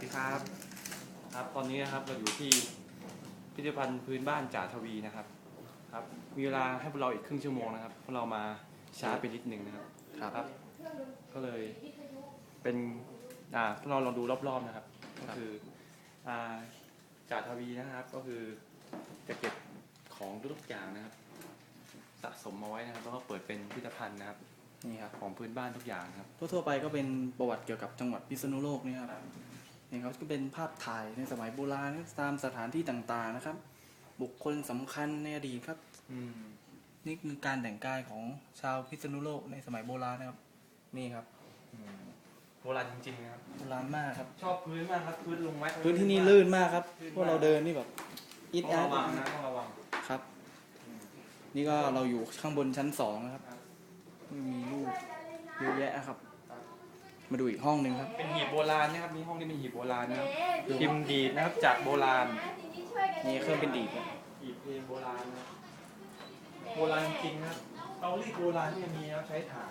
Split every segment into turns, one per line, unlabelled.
ดีครับตอนนี้นะครับเราอยู่ที่พิพิธภัณฑ์พื้นบ้านจ่าทวีนะครับมีเวลาให้พวกเราอีกครึ่งชั่วโมงนะครับพวกเรามาช้าไปนิดนึงนะครับก็เลยเป็นพวกเราลองดูรอบๆนะครับก็คือจ่าทวีนะครับก็คือจะเก็บของทุกอย่างนะครับสะสมมาไว้นะครับแล้วก็เปิดเป็นพิพิธภัณฑ์นะครับนี่ครับของพื้นบ้านทุกอย่างครับ
ทั่วไปก็เป็นประวัติเกี่ยวกับจังหวัดพิษณุโลกนี่ครับนี่ครับก็เป็นภาพถ่ายในสมัยโบราณตามสถานที่ต่างๆนะครับบุคคลสำคัญในอดีตครับนี่คือการแต่งกายของชาวพิษณุโลกในสมัยโบราณนะครับนี่ครับ
โบราณจริงๆนะครับ
โบราณมากครับ
ชอบพื้นมากครับพื้นลงไว้
พื้นที่นี่ลื่นมากครับพวกเราเดินนี่แบบอิด
ต้อง
อัด
ระวังนะต้องระวัง
ครับนี่ก็เราอยู่ข้างบนชั้น2นะครับมีรูปเยอะแยะครับมาดูอีกห้องหนึ่งครับ
เป็นหีบโบราณนะครับมีห้องที่เป็นหีบโบราณนะครับพิมพ์ดีดนะครับจากโบราณ
นี่เครื่องเป็นดีด
หีบเพลงโบราณนะโบราณจริงนะครับเตารีดโบราณที่มีแล้วใช้ถ่าน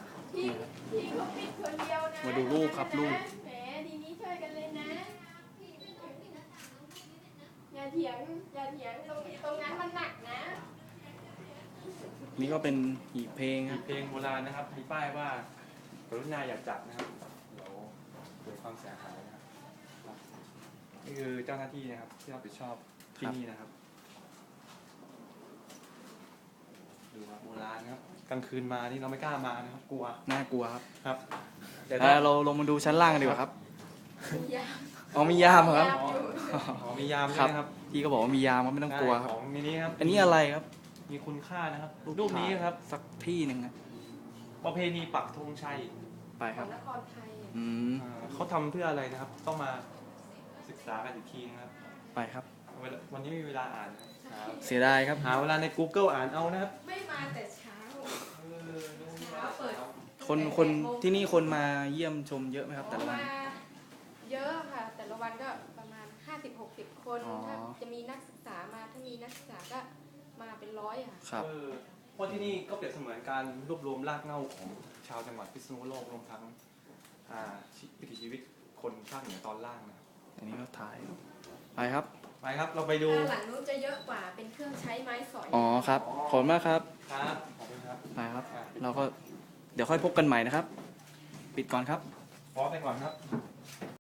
มาดูรูปครับรูป
ทีนี้ช่วยกันเลยนะอย่าเถียงตรงนั้นมันหนักนะ
นี่ก็เป็นหีบเพลงค
หี
รั
บบ เพลงโบราณนะครับมีป้ายว่ากรุณาอย่าจับนะครับเดี๋ยวเกิดความเสียหายนะครับนี่คือเจ้าหน้าที่นะครับที่รับผิดชอบที่นี่นะครับดูครับโบราณครับกลางคืนมานี่เราไม่กล้ามานะครับกลัว
น่ากลัว
ครับ
แต่เราลงมาดูชั้นล่างกันดีกว่าครับมียาม ครับ
มียามใช่ไหมครับ
พี่ก็บอกว่ามียามไม่ต้องกลัวครับ
ของนี้ครับ
อันนี้อะไรครับ
มีคุณค่านะครับรูปนี้ครับ
สักที่หนึ่งนะ
ประเพณีปักธงชัย
ไปครับ
นครไทย
เขาทำเพื่ออะไรนะครับต้องมาศึกษากันอีกทีนะครับ
ไปครับ
วันนี้มีเวลาอ่าน
เสียดายครับ
หาเวลาใน Google อ่านเอานะครับ
ไม่มาแต่เช้าเปิด
คนที่นี่คนมาเยี่ยมชมเยอะไหมครับแต่ละวัน
เยอะค่ะแต่ละวันก็ประมาณ50-60 คนถ้าจะมีนักศึกษามาถ้ามีนักศึกษาก็มาเป็น100ค่ะ
ครับ
เพราะที่นี่ก็เปรียบเสมือนการรวบรวมรากเหง้าของชาวจังหวัดพิษณุโลกรวมทั้งวิถีชีวิตคนภาคเหนือตอนล่างนะครับ
อันนี้ก็ถ่ายไปครับ
เราไปดู
หลังนู้นจะเยอะกว่าเป็นเครื่องใช้ไม้สอย
ครับขอบคุณมากครับ
ขอบคุณครับ
ไปครับเราก็เดี๋ยวค่อยพบกันใหม่นะครับปิดก่อนครับ
พร้อมไปก่อนครับ